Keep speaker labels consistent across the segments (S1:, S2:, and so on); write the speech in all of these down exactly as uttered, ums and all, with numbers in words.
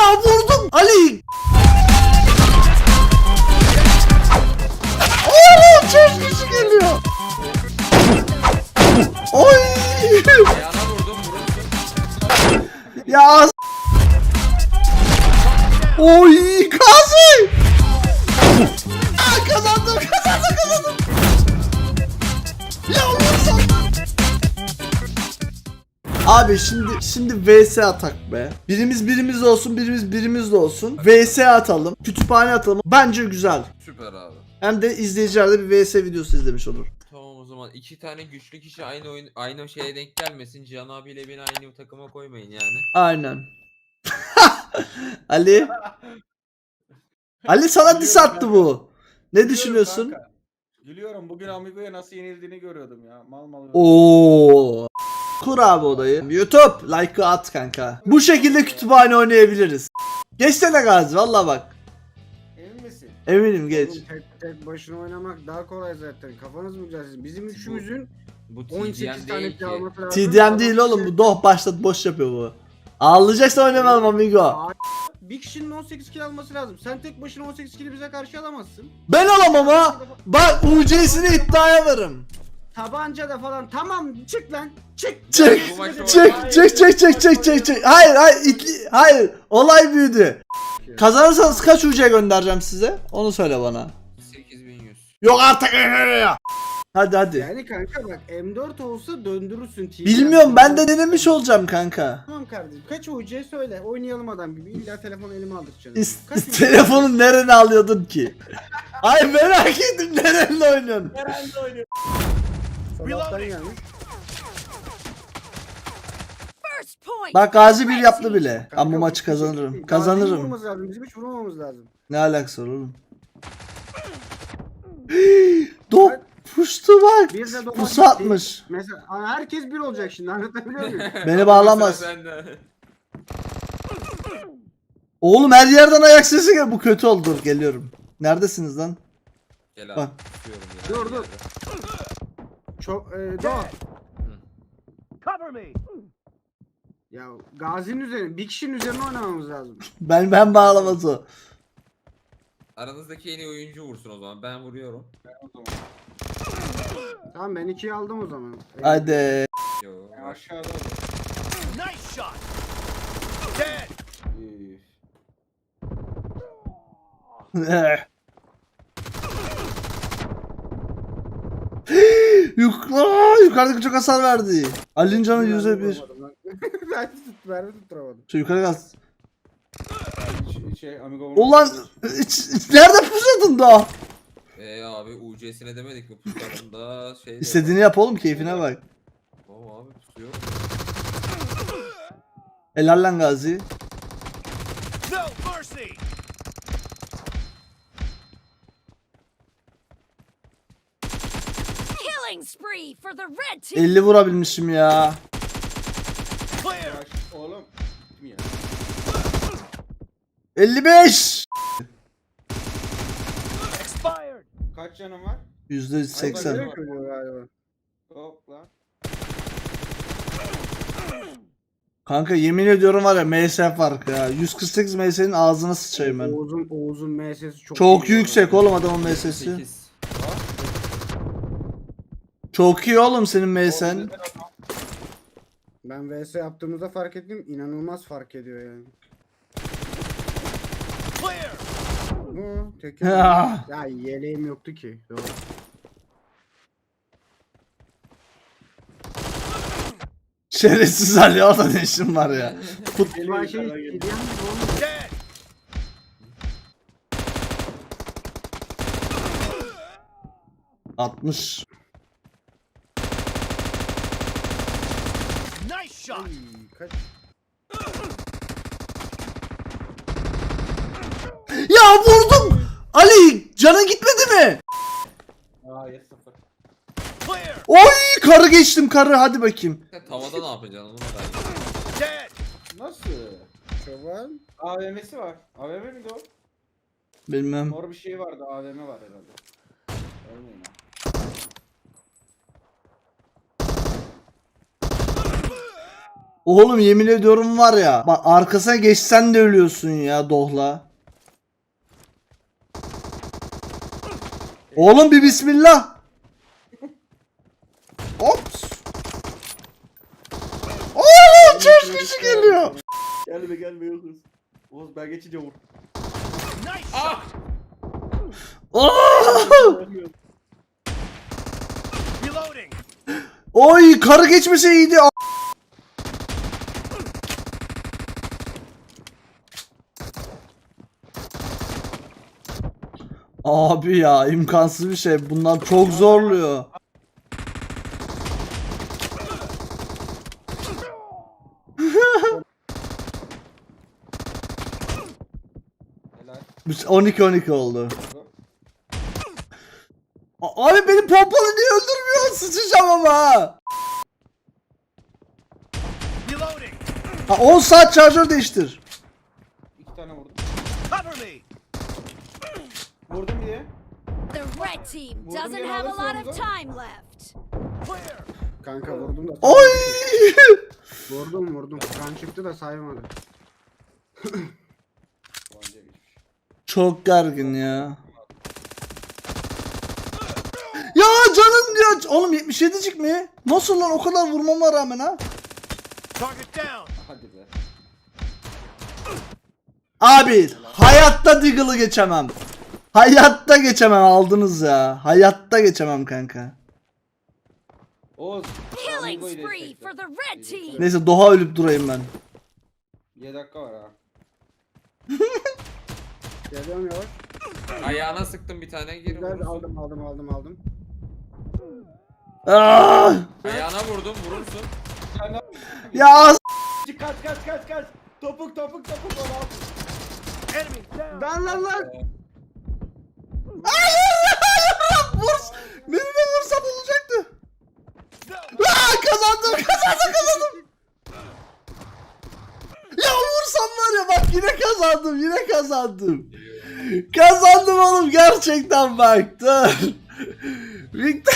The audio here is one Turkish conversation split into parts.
S1: vurdum Ali. Oğlum çok kişi geliyor. Oy.
S2: Ayağına vurdum vurursun.
S1: Ya. Oy Gazi. Aa, kazandım kazandım kazandım. Ya Allah'ım. Abi şimdi şimdi V S atak be. Birimiz birimiz olsun, birimiz birimiz de olsun. V S atalım, kütüphane atalım. Bence güzel.
S2: Süper abi.
S1: Hem de izleyiciler de bir V S videosu izlemiş olur.
S2: Tamam o zaman iki tane güçlü kişi aynı oyun aynı şeye denk gelmesin. Cihan abiyle beni aynı takıma koymayın yani.
S1: Aynen. Ali. Ali sana diss attı bu. Ne düşünüyorsun?
S3: Kanka. Gülüyorum. Bugün Amigo'ya nasıl yenildiğini görüyordum ya. Mal mal.
S1: Oo. Kur abi odayı. YouTube like'ı at kanka. Bu şekilde kütüphane oynayabiliriz. Geçsene Gazi valla bak.
S3: Emin misin?
S1: Eminim geç.
S4: Oğlum tek, tek başına oynamak daha kolay zaten. Kafanız mı güzel? Bizim üçümüzün
S2: Bu
S4: on
S2: T D
S4: sekiz
S2: M
S4: tane
S2: değil ki.
S4: alması lazım.
S1: T D M değil oğlum bu doh başlat boş yapıyor bu. Ağlayacaksa oynamayalım amigo.
S4: Bir kişinin on sekiz kill alması lazım. Sen tek başına on sekiz kill'i bize karşı alamazsın.
S1: Ben alamam ha. Bak U C'sini iddiaya varım.
S4: Tabanca da falan. Tamam çık lan. Çık.
S1: Çık
S2: Bu maçı
S1: çık
S2: oynamayın.
S1: çık çık çık çık çık çık. Hayır hayır itli, hayır olay büyüdü. Kazanırsanız kaç U C göndereceğim size? Onu söyle bana.
S2: sekiz bin yüz.
S1: Yok artık. Hadi hadi.
S4: Yani kanka bak M dört olsa döndürürsün T V.
S1: Bilmiyorum ben de denemiş olacağım kanka.
S4: Tamam kardeşim. Kaç O C söyle. Oynayalım adam gibi. İlla telefonu elime aldıracaksın.
S1: İs-
S4: Kaç O C?
S1: telefonu nerene alıyordun ki? Ay merak ettim nerenle oynuyorsun?
S4: Sabahtan gelmiş.
S5: First point.
S1: Bak Gazi bir yaptı bile. Ben
S4: Kanka,
S1: bu maçı kazanırım.
S4: Gazi'yi
S1: Kazanırım.
S4: vurmamız lazım. Bizim hiç vurmamamız lazım.
S1: Ne alakası var oğlum? Dop puştu bak.
S4: Bir de domates
S1: Pusu atmış.
S4: Mesela Aa, herkes bir olacak şimdi anlatabiliyor muyum?
S1: Beni bağlamaz.
S2: Sıra sende.
S1: Oğlum her yerden ayak sesi geliyor. Bu kötü oldu. Dur geliyorum. Neredesiniz lan?
S2: Gel
S1: Bak.
S2: abi. tutuyorum ya.
S4: Dur, dur. Çok e, Doğa.
S6: Cover me.
S4: Ya Gazi'nin üzerine, bir kişinin üzerine oynamamız lazım.
S1: Ben ben bağlamaz o.
S2: Aranızdaki en iyi oyuncu vursun o zaman. Ben vuruyorum.
S4: Tamam ben ikiyi aldım o zaman. E,
S1: Hadi.
S2: Yo.
S3: Aşağıda.
S6: Nice shot. Dead.
S3: Üf.
S1: Yukarı, yukarıdaki çok hasar verdi. Ali'nin canı
S4: ben
S1: yüzde bir.
S4: vuramadım lan. ben tut, ben tutturamadım.
S1: Şu yukarı kalsın.
S3: Şey, şey Amigo.
S1: Ulan iç- iç- nerede pusatın da?
S2: Eee abi U C'sine demedik mi puslarında şey de-
S1: İstediğini yap oğlum keyfine bak.
S2: Tamam abi pusuyor.
S1: Helal lan Gazi.
S6: No mercy.
S5: Killing spree for the red team.
S1: elli vurabilmişim ya.
S6: Clear.
S3: Oğlum. Gittim ya.
S1: elli beş.
S6: Expired.
S3: Kaç canım var?
S1: yüzde
S4: Seksen.
S1: seksen.
S4: Galiba.
S3: Hop lan.
S1: Kanka yemin ediyorum var ya M S farkı ya. yüz kırk sekiz M S'nin ağzına sıçayım ben.
S4: Oğuz'un Oğuz'un M S'si çok
S1: Çok
S4: iyi.
S1: yüksek oğlum adamın M S'si.
S2: sekiz.
S1: Çok iyi oğlum senin M S'en.
S4: Ben V S yaptığımızda fark ettim. İnanılmaz fark ediyor yani.
S6: Clear.
S4: Bu tek
S1: Ya.
S4: ya yeleğim yoktu ki. Doğru.
S1: Şerefsiz Ali orada ne işin var ya. Fut
S4: Ulan şey hediyen gibi olmuş.
S6: Dead.
S1: altmış.
S6: Nice shot.
S4: Ay, kaç?
S1: Ya vurdum. Ali canın gitmedi mi?
S3: Aa yes sıfır.
S6: Clear.
S1: Oy karı geçtim karı hadi bakayım.
S2: Sen tavada ne yapacaksın onu merak ediyorum.
S6: Dead.
S3: Nasıl?
S4: Çoban.
S3: A V M'si var. A V M miydi o?
S1: Bilmem.
S3: Mor bir şey vardı. A V M var herhalde. Ölmeyin ha.
S1: Oğlum yemin ediyorum var ya. Bak arkasına geçsen de ölüyorsun ya Dohla. Oğlum bir bismillah. Ops. Oo çok kişi geliyor.
S3: Gelme gelme yokuz. Oğuz ben geçince vur.
S6: Nice
S2: Ah!
S1: Oo!
S6: Reloading.
S1: Oy karı geçmese iyiydi. Abi ya imkansız bir şey. Bunlar çok zorluyor.
S3: Helal.
S1: on iki on iki oldu. A- Abi benim pompalı niye öldürmüyor? Sıçacağım ama ha.
S6: Reloading.
S1: Ha, on saat şarjör değiştir.
S3: İki tane vurdum.
S6: Cover me.
S3: Vurdum diye.
S5: The red team
S3: Vurdum
S5: doesn't
S3: yine
S5: have a lot
S3: alırsın
S5: of
S3: onu.
S5: time left.
S6: Clear.
S4: Kanka vurdum da.
S1: Oy!
S4: Vurdum vurdum. Kan çıktı da saymadı.
S3: Tabanca geçmiş.
S1: Çok gergin ya. Ya canım diyor. Oğlum yetmiş yedicik mi? Nasıl lan o kadar vurmama rağmen ha?
S6: Target down.
S3: Hadi be.
S1: Abi hayatta Deagle'ı geçemem. Hayatta geçemem aldınız ya. Hayatta geçemem kanka.
S3: Oğuz.
S5: Killing
S3: Amigo'yu
S5: spree
S3: destekle.
S5: for the red team.
S1: Neyse Doha ölüp durayım ben.
S3: yedi dakika var ha.
S4: Geliyorum yavaş.
S2: Ayağına sıktım bir tane gir
S4: Güzel
S2: vurursun.
S4: aldım aldım aldım aldım.
S1: Ah!
S2: Ayağına vurdum vurursun.
S3: Sen ne
S1: Ya s-
S3: Kaç kaç kaç kaç. Topuk topuk topuk onu al.
S6: Enemy down.
S4: Lan lan lan.
S1: Vur! Beni de vursam olacaktı.
S6: No.
S1: Aa, kazandım kazandım kazandım. Ya vursam var ya bak yine kazandım yine kazandım. Kazandım oğlum gerçekten bak dur. Victor.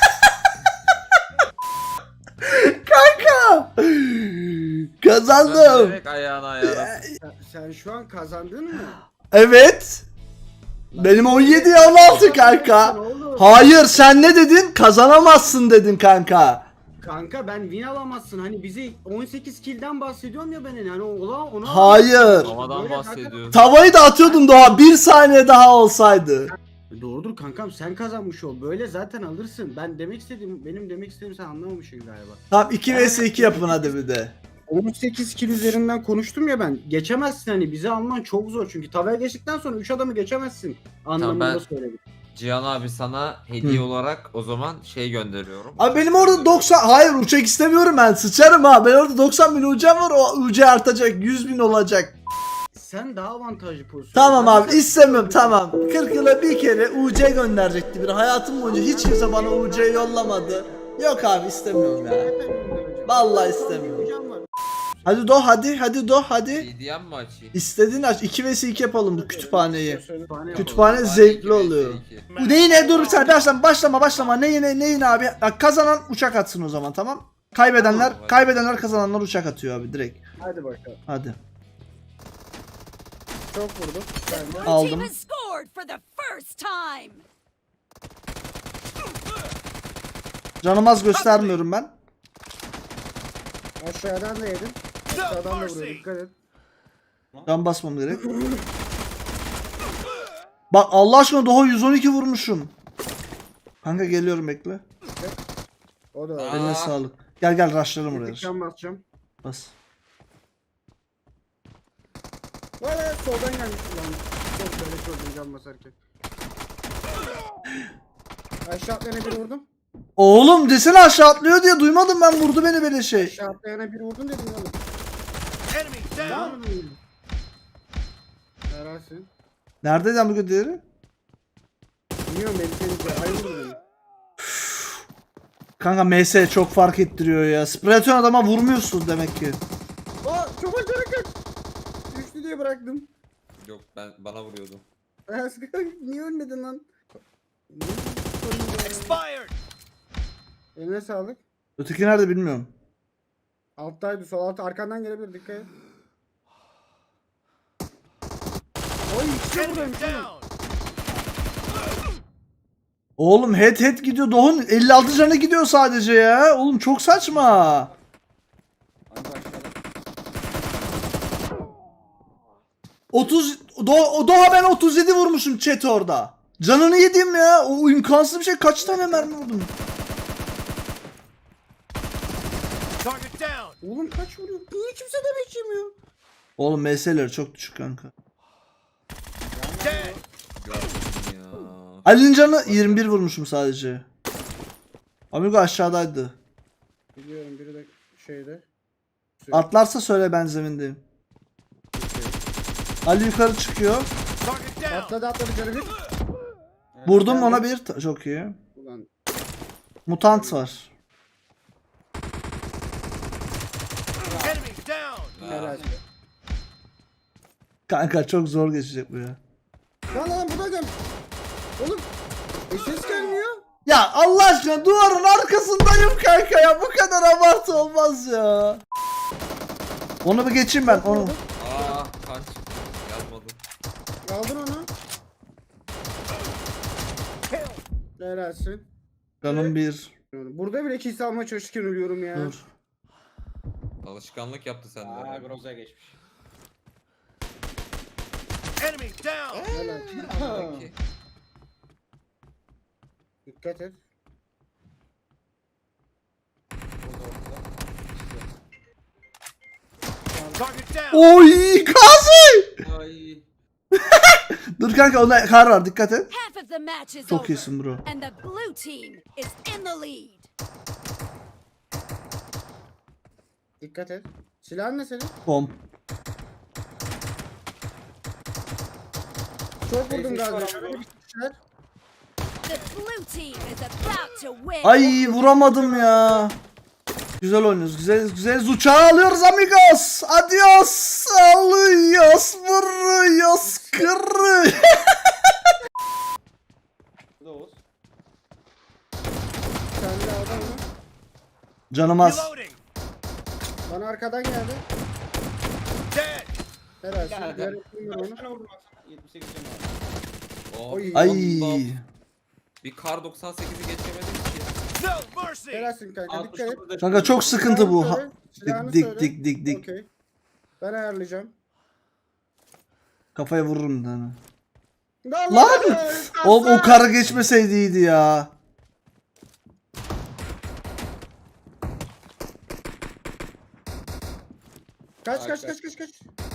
S1: Kanka. Kazandım.
S2: Direkt ayağına ayağına.
S4: Sen, sen şu an kazandın mı?
S1: Evet. Benim on yediye on altı kanka.
S4: Ne oldu?
S1: Hayır sen ne dedin? Kazanamazsın dedin kanka.
S4: Kanka ben win alamazsın. Hani bizi on sekiz kill'den bahsediyorum ya ben yani ola ona.
S1: Hayır.
S2: Havadan
S4: Böyle
S2: bahsediyor.
S1: Tavayı da atıyordun Doğa. Bir saniye daha olsaydı.
S4: kanka- Doğrudur kankam sen kazanmış ol. Böyle zaten alırsın. Ben demek istediğim benim demek istediğim sen anlamamışsın galiba.
S1: Tamam iki vs iki yapın hadi bir de.
S4: on sekiz kill üzerinden konuştum ya ben. Geçemezsin hani bizi alman çok zor çünkü tavaya geçtikten sonra üç adamı geçemezsin anlamında
S2: ben-
S4: söyledim.
S2: Cihan abi sana hediye
S1: Hı.
S2: olarak o zaman şey gönderiyorum.
S1: Abi benim orada doksan... Hayır uçak istemiyorum ben. Sıçarım ha. Ben orada doksan bin ucam var. O ucu artacak. yüz bin olacak.
S4: Sen daha avantajlı pozisyon.
S1: Tamam abi
S4: Zaten-
S1: istemiyorum tamam. kırk yıla bir kere U C gönderecekti biri. Hayatım boyunca hiç kimse bana U C yollamadı. Yok abi istemiyorum ya. Vallahi istemiyorum.
S4: Hocam var.
S1: Hadi do hadi hadi do hadi.
S2: Hediyem mi açayım?
S1: İstediğin aç. iki vs iki yapalım bu kütüphaneyi.
S4: Kütüphane
S1: Kütüphane
S2: Bari
S1: zevkli
S2: iki vs
S1: oluyor.
S2: iki.
S1: Bu ne yine dur sen başlama başlama başlama ne yine ne yine abi. Bak, kazanan uçak atsın o zaman tamam. Kaybedenler
S2: Tamam, hadi.
S1: kaybedenler kazananlar uçak atıyor abi direkt.
S4: Hadi bakalım.
S1: Hadi.
S4: Çok vurdum. Ben de.
S5: Blue
S1: Aldım.
S5: team has scored for the first time.
S1: Canım az göstermiyorum ben.
S4: Aşağıdan da yedim.
S6: No
S4: Aşağıdan da
S6: mercy.
S4: vuruyor. Dikkat et.
S1: Can basmam gerek. Bak Allah aşkına daha yüz on iki vurmuşum. Kanka geliyorum bekle.
S4: O da
S2: Aa.
S4: öyle.
S1: Eline sağlık. Gel gel rushlayalım oraya.
S4: Can basacağım.
S1: Bas.
S4: Valla soldan gelmiş lan. Çok böyle gördüm can basarken. Aşağı atlayana bir vurdum.
S1: Oğlum desene aşağı atlıyor diye duymadım ben vurdu beni böyle şey.
S4: Aşağı atlayana bir vurdum dedim oğlum.
S6: Enemy
S4: Ne
S6: down.
S4: yapıyorsun? Herhalsin.
S1: Nerede lan bu diğeri?
S4: Bilmiyorum beni seni ay vurdu beni.
S1: Kanka M S çok fark ettiriyor ya. Spreton adama vurmuyorsun demek ki.
S4: Aa çok acayip kaç. Düştü diye bıraktım.
S2: Yok ben bana vuruyordu.
S4: Niye ölmedin lan?
S6: Expired.
S4: Eline sağlık.
S1: Öteki nerede bilmiyorum.
S4: Alttaydı, sol alt arkandan gelebilir, dikkat et. Oy işte
S6: Enemy
S4: buradaymış oğlum.
S6: down.
S1: Oğlum head head gidiyor. Doğun elli altı canı gidiyor sadece ya. Oğlum çok saçma.
S3: Hadi aşağıda.
S1: otuz Do Doğa ben otuz yedi vurmuşum chat orada. Canını yedim ya. O imkansız bir şey. Kaç tane mermi vurdum?
S6: Target down.
S4: Oğlum kaç vuruyor? Niye kimse demek yemiyor?
S1: Oğlum M S'leri çok düşük kanka.
S6: Dead.
S2: Gördüm ya.
S1: Ali'nin canı yirmi bir vurmuşum sadece. Amigo aşağıdaydı.
S4: Biliyorum, biri de şeyde.
S1: Atlarsa söyle, ben zemindeyim. Ali yukarı çıkıyor.
S6: Target down.
S4: Atladı atladı canı bir.
S1: Vurdum ona bir. Ta- Çok iyi.
S4: Ulan
S1: Mutant var.
S6: Enemy down.
S4: helal.
S1: Kanka çok zor geçecek bu ya.
S4: Lan lan bu da gel. Oğlum. E ses gelmiyor.
S1: Ya Allah aşkına duvarın arkasındayım kanka ya. Bu kadar abartı olmaz ya. Onu bir geçeyim ben. Onu.
S2: Aa kan çıktı. Yazmadım.
S4: Aldın onu. Helalsin.
S1: Canım bir.
S4: Burada bile kill almaya çalışırken ölüyorum ya.
S1: Dur.
S2: Alışkanlık yaptı sende.
S3: Aa Groza'ya geçmiş.
S6: Enemy down.
S4: Helal.
S2: Peki.
S4: Dikkat et.
S6: Target down.
S1: Oy Gazi.
S2: Ay.
S1: Dur kanka onda kar var, dikkat et.
S5: Half of the match is
S1: Çok
S5: over.
S1: iyisin bro.
S5: And the blue team is in the lead.
S4: Dikkat et. Silahın ne senin?
S1: Pomp.
S4: Çok vurdum
S3: Neyse,
S4: galiba.
S3: şu an
S4: Şöyle bir şeyler.
S5: The blue team is about to win.
S1: Ay vuramadım ya. Güzel oynuyoruz. Güzel güzel uçağı alıyoruz amigos. Adios. Alıyoruz. Vuruyoruz. Kırı.
S3: Bu da Oğuz.
S4: Sen de adam mı?
S1: Canım az.
S6: Reloading.
S4: Bana arkadan geldi.
S6: Dead.
S4: Helal.
S3: Gel,
S4: Diğer
S3: gel.
S4: ekmeğim var
S3: Kaç
S4: onu.
S3: tane vurdun baksana? yetmiş sekiz canı var.
S2: Oh,
S4: Ay.
S1: Ay.
S2: Allah. Bir kar doksan sekizi geçemedim ki.
S6: No mercy.
S4: Helalsin kanka.
S3: altmış
S4: Dikkat et.
S3: dokuzda
S1: Kanka çok sıkıntı bu. Ha-
S4: Silahını
S1: Dik
S4: söyle.
S1: dik dik dik.
S4: Okey. Ben ayarlayacağım.
S1: Kafaya vururum bir tane.
S4: Lan!
S1: Lan! O, o karı geçmeseydi iyiydi ya.
S4: Kaç kaç kaç kaç kaç.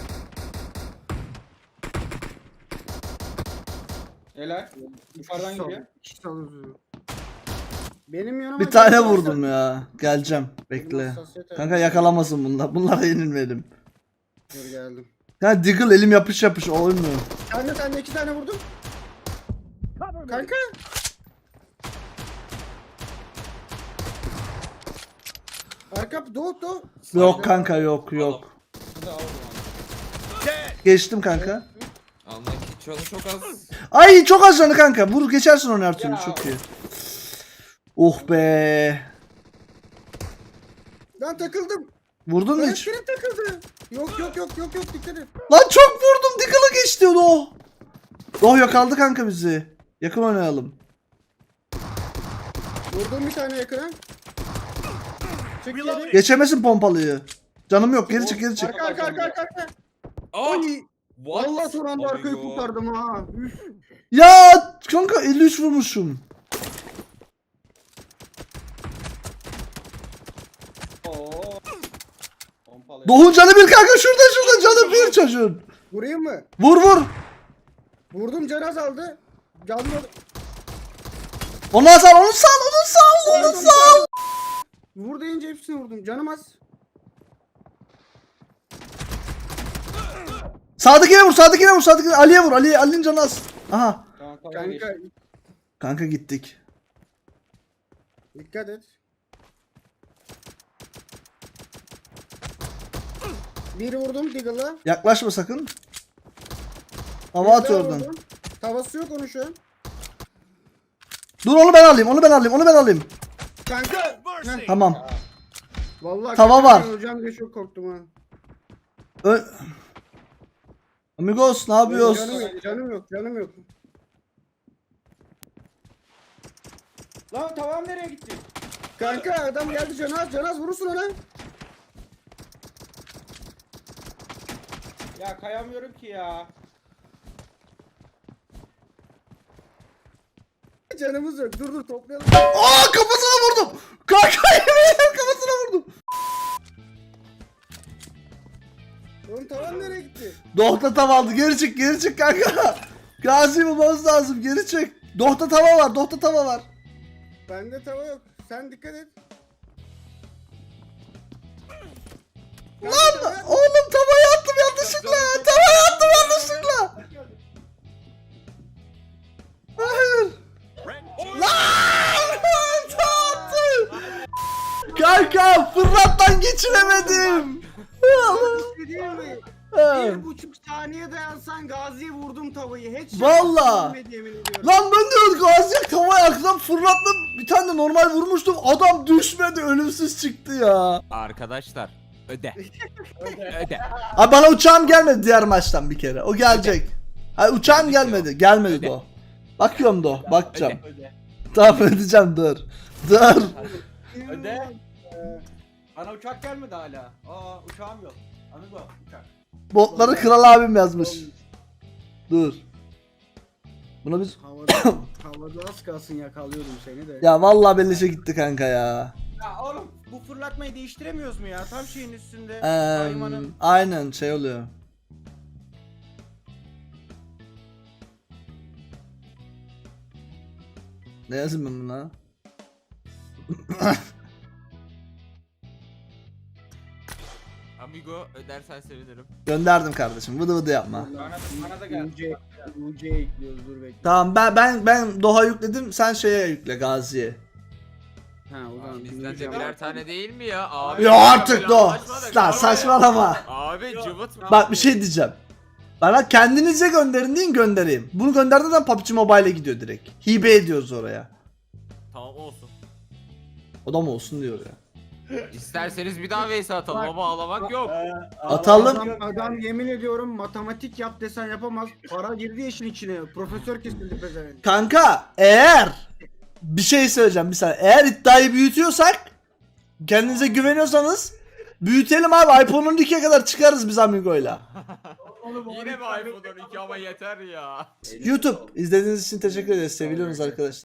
S3: Helal. Yukarıdan geliyor.
S4: İki saldırıyor. Benim yanıma
S1: Bir tane
S4: geldi.
S1: vurdum ya. Geleceğim. Bekle. Kanka yakalamasın bunlar. Bunlara yenilmedim.
S4: Dur geldim.
S1: Ya Diggle elim yapış yapış olmuyor.
S4: Sen de sen de iki tane vurdum. Kanka. Arka doğu doğu.
S1: Yok kanka yok yok.
S3: Bu da al o zaman.
S6: Dead.
S1: Geçtim kanka.
S2: Anla ki canı çok az.
S1: Ay çok az canı kanka. Vur geçersin onu her türlü,
S3: Ya.
S1: çok iyi. Oh be.
S4: Ben takıldım.
S1: Vurdun mu hiç?
S4: Elektrik takıldı. Yok yok yok yok yok dikkat et.
S1: Lan çok vurdum. Diggle'ı geçti o. Oh yakaladı kanka bizi. Yakın oynayalım.
S4: Vurdum bir tane yakına. Çık geri.
S6: Reloading.
S1: Geçemesin pompalıyı. Canım yok, geri çık geri çık.
S4: Arka arka arka arka. arka.
S2: Aa!
S4: Ay.
S2: What?
S4: Allah son anda arkayı
S2: Amigo.
S4: kurtardım ha. Üf.
S1: Ya kanka elli üç vurmuşum.
S3: Oo. Pompalı.
S1: Doğun canı bir kanka, şurada şurada canı bir çocuğun.
S4: Vurayım mı?
S1: Vur vur.
S4: Vurdum can azaldı. Canlı.
S1: Onu sal, onu sal, onu sal, onu sal.
S4: Vur deyince hepsini vurdum. Canım az.
S1: Sağdakine vur, sağdakine vur, sağdakine. Ali'ye vur, Ali, Ali'nin canı az. Aha.
S3: Tamam, tamam,
S4: Kanka
S3: geçti.
S1: Kanka gittik.
S4: dikkat et. Bir vurdum Diggle'a.
S1: Yaklaşma sakın. Hava atıyor oradan.
S4: Tavası yok onu şu an.
S1: Dur onu ben alayım, onu ben alayım, onu ben alayım.
S4: Kanka.
S6: Mercy.
S1: Tamam.
S4: Vallahi
S1: Tava var.
S4: Hocam diye çok korktum ha.
S1: Ö- Amigos ne yapıyoruz?
S4: Canım yok, canım yok, canım yok.
S3: Lan tavam nereye gitti?
S4: Kanka adam geldi Canaz, Canaz vurursun ona.
S3: Ya kayamıyorum ki ya.
S4: Canımız yok. Dur dur toplayalım.
S1: Aa kafasına vurdum. Kanka yemin ederim kafasına vurdum.
S4: Oğlum tavan nereye gitti?
S1: Dohta tava aldı. Geri çık geri çık kanka. Gazi bulmamız lazım. Geri çık. Dohta tava var. Dohta tava var.
S4: Bende tava yok. Sen dikkat et.
S1: Lan oğlum tavayı attım yanlışlıkla. Tavayı attım yanlışlıkla. Hayır.
S6: Red
S1: Lan! Attım. Kanka fırlattan geçiremedim.
S4: Bir şey diyeyim mi?
S1: Evet.
S4: Bir buçuk saniye dayansan Gazi'ye vurdum tavayı. Hiç
S1: Valla.
S4: yemin ediyorum.
S1: Lan ben de Gazi'ye tavayı aklım fırlattım. Bir tane de normal vurmuştum. Adam düşmedi. Ölümsüz çıktı ya.
S2: Arkadaşlar öde. öde.
S1: Abi bana uçağım gelmedi diğer maçtan bir kere. O gelecek. Hayır uçağım
S2: Geldik
S1: gelmedi.
S2: ya.
S1: Gelmedi
S2: Öde.
S1: de o. Bakıyorum da o. Bakacağım.
S3: Öde.
S1: Tamam ödeyeceğim dur. Dur.
S3: Öde. Bana uçak gelmedi hala. Aa uçağım yok. Amigo uçak.
S1: Botları kral abim yazmış. Dur. Buna biz...
S4: Havada, havada az kalsın yakalıyordum seni de.
S1: Ya vallahi beleşe gitti kanka ya.
S3: Ya oğlum bu fırlatmayı değiştiremiyoruz mu ya? Tam şeyin üstünde.
S1: Eee,
S3: Kaymanın.
S1: aynen şey oluyor. Ne yazayım ben buna?
S2: Amigo ödersen sevinirim.
S1: Gönderdim kardeşim. Vıdı vıdı yapma.
S3: Bana, bana da geldi.
S4: U C, U C ekliyoruz dur bekle.
S1: Tamam ben ben ben Doha yükledim. Sen şeye yükle Gazi'ye.
S4: Ha o zaman
S2: Bizden de
S4: dinleyeceğim.
S2: birer tane değil mi ya? Abi,
S1: Ya artık
S2: böyle
S1: Doha.
S2: anlaşmadık.
S1: Lan
S2: Abi.
S1: saçmalama.
S2: Abi cıvıt.
S1: Bak bir şey diyeceğim. Bana kendinize gönderin deyin göndereyim. Bunu gönderdiğinde zaman P U B G Mobile'e gidiyor direkt. Hibe ediyoruz oraya.
S2: Tamam olsun.
S1: O da mı olsun diyor ya.
S2: İsterseniz bir daha Veysi atalım ama ağlamak yok.
S1: Atalım.
S4: Adam, adam yemin ediyorum matematik yap desen yapamaz. Para girdi işin içine. Profesör kesildi pezevenk.
S1: Kanka eğer bir şey söyleyeceğim bir saniye. Eğer iddiayı büyütüyorsak kendinize güveniyorsanız büyütelim abi. iPhone on ikiye kadar çıkarız biz Amigo'yla.
S2: Yine mi iPhone on iki ama yeter ya.
S1: YouTube izlediğiniz için teşekkür ederiz. Seviyorsunuz arkadaşlar.